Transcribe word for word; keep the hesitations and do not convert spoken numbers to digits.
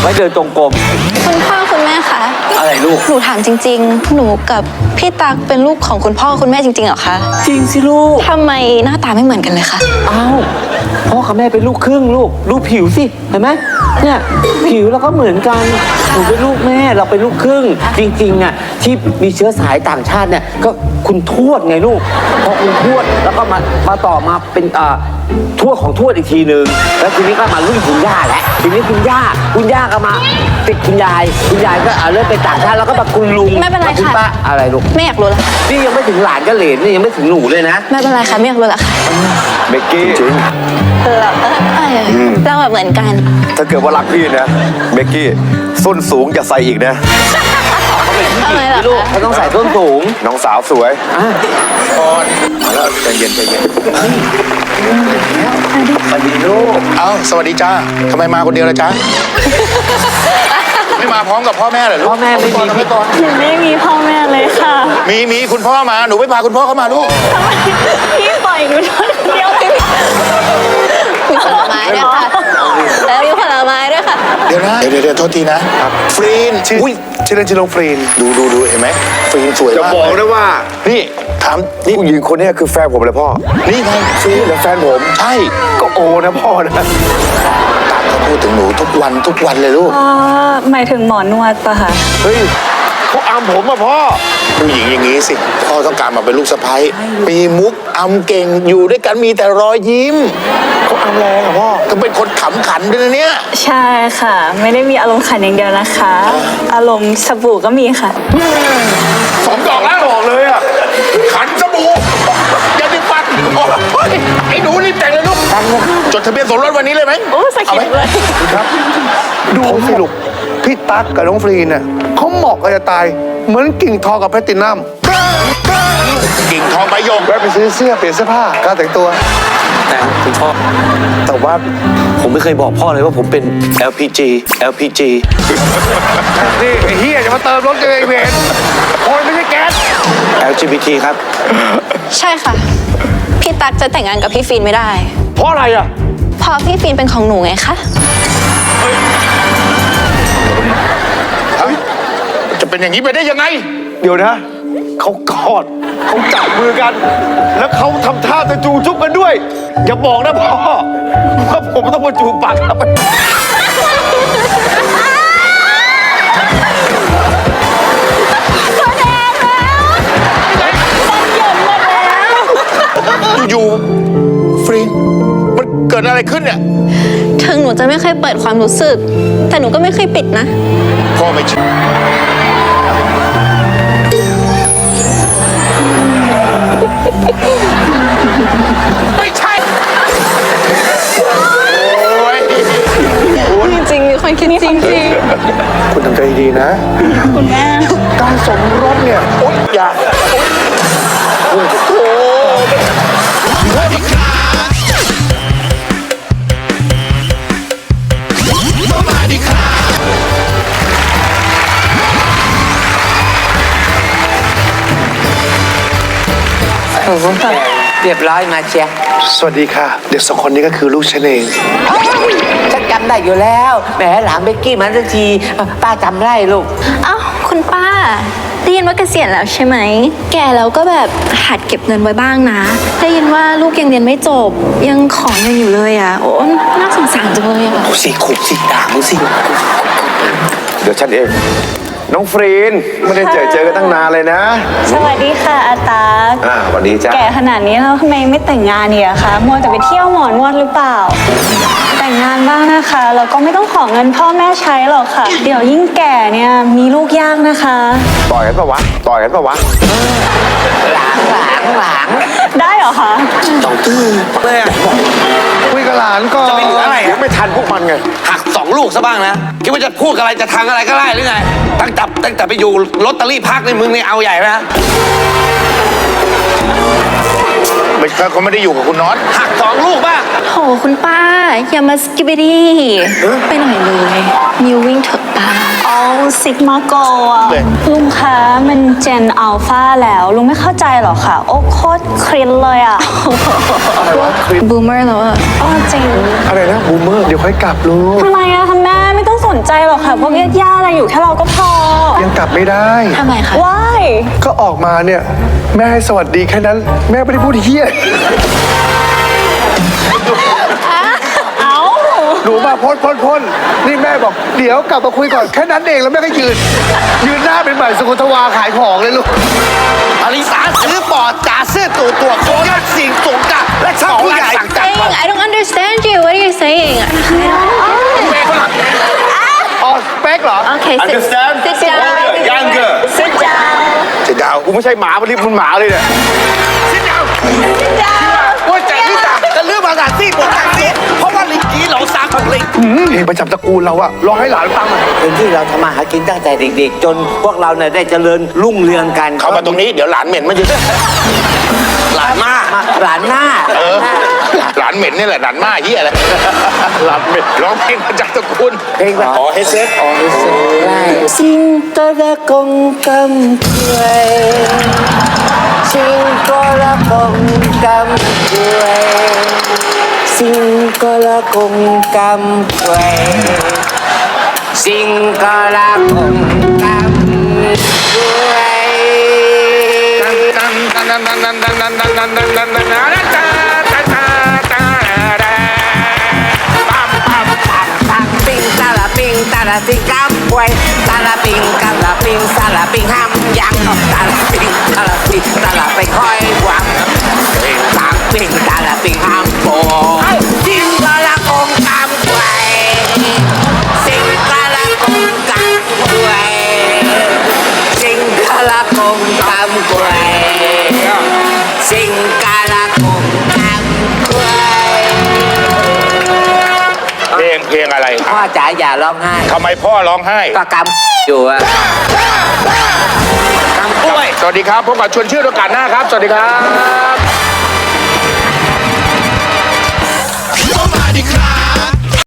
ไม่เดินตรงกลมคุณพ่อคุณแม่คะอะไรลูกหนูถามจริงๆ หนูกับพี่ตั๊กเป็นลูกของคุณพ่อคุณแม่จริงๆเหรอคะจริงสิลูกทำไมหน้าตาไม่เหมือนกันเลยคะอ้าวพ่อกับแม่เป็นลูกครึ่งลูกดูผิวสิเห็นไหมเนี่ยผิวเราก็เหมือนกันหนูเป็นลูกแม่เราเป็นลูกครึ่ง จริงๆอ่ะที่มีเชื้อสายต่างชาติเนี่ยก็คุณทวดไงลูกพอคุณทวดแล้วก็มามาต่อมาเป็นอ่าทวดของทวดอีกทีหนึ่งแล้วทีนี้ก็มารุ่นคุณย่าแล้วทีนี้คุณย่าคุณย่าก็มาติดคุณยายคุณยายก็อ่าเริ่มเป็นต่างชาติแล้วก็มาคุณลุงไม่เป็นไรคุณค่ะป้าอะไรลูกไม่อยากรู้แล้วค่ะนี่ยังไม่ถึงหลานก็เหลนนี่ยังไม่ถึงหนูเลยนะไม่เป็นไรค่ะไม่อยากรู้แล้วค่ะเบกกี้จริงเออเออเออเราแบบเหมือนกันถ้าเกิดว่ารักพี่นะเบกกี้ส้นสูงอย่าใส่อีกนะทำไมล่ะลูกคะเขาต้องใส่ส้นสูงน้องสาวสวยอ่ะพอนมาแล้วใจเย็นใจเย็นสวัสดีลูกเอ้าสวัสดีจ้าทำไมมาคนเดียวล่ะจ๊ะ ไม่มาพร้อมกับพ่อแม่เหรอลูกพ่อแม่ไม่มีพี่ก่อนหนูไม่มีพ่อแม่เลยค่ะมีมีคุณพ่อมาหนูไม่พาคุณพ่อเข้ามาลูกพี่ปล่อยหนูคนเดียวเลยมีผลไม้ด้วยค่ะแล้วมีผลไม้ด้วยค่ะเดี๋ยวนะเดี๋ยวเดี๋ยวโทษทีนะฟรีนชื่ออุ้ยชื่อเล่นชื่อน้องฟรีนดูดูดูเห็นไหมฟรีนสวยจะมากบอกนะว่านี่ถามนี่ผู้หญิงคนนี้คือแฟนผมเลยพ่อนี่ไงฟรีนและแฟนผมใช่ก็โอนะพ่อนะตามเขาพูดถึงหนูทุกวันทุกวันเลยลูกอ๋อหมายถึงหมอนวดปะคะเฮ้ยเขาอามผมอะพ่อผู้หญิงอย่างนี้สิพ่อต้องการมาเป็นลูกสะใภ้มีมุกอำเก่งอยู่ด้วยกันมีแต่รอยยิ้มเขาอามแรงอะพ่อก็เป็นคนขำขันด้วยนะเนี่ยใช่ค่ะ ไม่ได้มีอารมณ์ขันอย่างเดียวนะคะ อารมณ์สบู่ก็มีค่ะสองดอกแล้วบอกเลยอ่ะขันสบู่อย่าดิฟันโอ้ยไอ้หนูรีบแต่งเลยลูกจดทะเบียนสมรสวันนี้เลยไหมโอ้สะกิดเลยดูสิลูกพี่ตั๊กกับน้องฟรีเนี่ยเขาเหมาะกันจะตาย เหมือนกิ่งทองกับแพลตตินัมกิ่งทองใบหยกแวะไปซื้อเสื้อเปลี่ยนเสื้อผ้าการแต่งตัวแต่คุณพ่อ แต่ว่าผมไม่เคยบอกพ่อเลยว่าผมเป็น แอล พี จี แอล พี จีนี่ไอ้เฮียจะมาเติมรถกันเองเวนคนไม่ใช่แก๊สแอล จี บี ที ครับใช่ค่ะ พี่ตั๊กจะแต่งงานกับพี่ฟินไม่ได้เพราะอะไรอ่ะเพราะพี่ฟินเป็นของหนูไงคะเฮ้ยจะเป็นอย่างนี้ไปได้ยังไงเดี๋ยวนะเขากอดเขาจับมือกัน แล้วเขาทำท่าจะจูจุ๊บกันด้วย อย่าบอกนะพ่อว่าผมต้องมาจูบปากครับอยู่ๆฟรีนมันเกิดอะไรขึ้นเนี่ยถึงหนูจะไม่เคยเปิดความรู้สึก แต่หนูก็ไม่เคยปิดนะพ่อไม่เชื่อไม่ใช่ โอ้ยจริงๆมีคนคิดจริงคุณทำใจดีๆนะคุณแม่การสมรสเนี่ยโอ๊ยอย่าโอ๊ยโอ้โหเรียบร้อยมาเชียร์สวัสดีค่ะ เด็กสองคนนี้ก็คือลูกฉันเองฉันจำได้อยู่แล้ว แหมหลานเบกกี้มาสักทีป้าจำได้ลูกๆ เอ้าคุณป้าได้ยินว่าเกษียณแล้วใช่ไหม แก่แล้วก็แบบหัดเก็บเงินไว้บ้างนะได้ยินว่าลูกยังเรียนไม่จบ ยังขอเงินอยู่เลยอ่ะ โอ้น่าสงสารจังเลยอ่ะเอาสิขุบสิด่ามึงสิเดี๋ยวฉันเอง น้องฟรีนไม่ได้เจอเจอกันตั้งนานเลยนะสวัสดีค่ะอาตาอ่าสวัสดีจ้าแก่ขนาดนี้แล้วทำไมไม่แต่งงานเนี่ยคะมัวแต่ไปเที่ยวหมอนวดหรือเปล่า แต่งงานบ้างนะคะแล้วก็ไม่ต้องขอเงินพ่อแม่ใช้หรอกค่ะ เดี๋ยวยิ่งแก่เนี่ยมีลูกยากนะคะต่อยกันปะวะ ต่อยกันปะวะหลังหลังหลังได้เหรอคะต้องตื้อเลยคุยกับหลานก่อนจะไปเหลืออะไรเดี๋ยวไม่ทันพวกมันไงหักสองลูกซะบ้างนะ คิดว่าจะพูดอะไรจะทางอะไรก็ได้หรือไง ตั้งแต่ตั้งแต่ไปอยู่ลอตเตอรี่พักในมึงนี่เอาใหญ่นะไม่ใช่เขาไม่ได้อยู่กับคุณน็อตหักสองลูกบ้างโหคุณป้า อย่ามาสกิบดี้ไปหน่อยเลยนิววิ่งเถอะป้าเอาซิกมาโกอ่ะลุงคะมันเจนอัลฟาแล้วลุงไม่เข้าใจหรอคะโอ้โคตรครินเลยอ่ะบูมเมอร์แล้วอะอ๋อจริงอะไรนะบูมเมอร์ เดี๋ยวค่อยกลับลูกทำไมอะทำแม่ไม่ต้องสนนใจหรอกค่ะ พวกญาติๆอะไรอยู่แค่เราก็พอยังกลับไม่ได้ทำไมคะว้ายก็ออกมาเนี่ย แม่ให้สวัสดีแค่นั้น แม่ไม่ได้พูดเฮี้ยเอ้าหนูมาพ่นพ่นพ่นนี่แม่บอกเดี๋ยวกลับมาคุยก่อนแค่นั้นเองแล้วแม่ก็ยืน ยืนหน้าเป็นเหมือนสุกุทวาขายของเลยลูกอลิสาซื้อปอดจ่าซื้อตัวตัวโคยสิ่งสงกะและช่างผู้ใหญ่สั่งจัด saying I don't understand you what are you saying อ๋อสเปคเหรอ okay sit Understand? sit down Younger. sit down จะดาวกูไม่ใช่หมามันรีบมันหมาเลยเนี่ยสิ้นดาว sit down ว่าแต่ลิตาจะเลือกภาษาที่บทการนี้เพราะว่าลิงกี้เหล่าซางของลิงเพลงประจำตระกูลเราอะร้องให้หลานฟังอะเป็นที่เราทำมาหากินตั้งแต่เด็กๆ จนพวกเราเนี่ยได้เจริญรุ่งเรืองกันเข้ามาตรงนี้เดี๋ยวหลานเหม็นมันจะหลานมามาหลานหน้าเออหลานเหม็นนี่แหละหลานมาเฮียอะไรหลานเหม็นร้องเพลงมาจากตระกูลเพลงแบบอ๋อเฮเซตอ๋อสิงโตระกงกำกล้วยสิงโตระกงกำกล้วยสิงโตระกงกำกล้วยสิงโตระกงกำกล้วย ตังปิงตาละปิงตาละปิงกำกล้วยตาละปิงกำละปิงตาละปิงห้ำยังตาละปิงตาละปิงตาละไปคอยหวังปิงตังปิงตาละปิงห้ำโปสิงตาละกงกำกล้วยสิงตาละกงกำกล้วยสิงตาละกงกำกล้วยสิงตาละกงกำกล้วยเพลงเพลงอะไรพ่อจ๋าอย่าร้องไห้ทำไมพ่อร้องไห้ก็กำอยู่อะกำกล้วยสวัสดีครับพบกับชวนชื่อโอกาสหน้าครับ สวัสดีครับ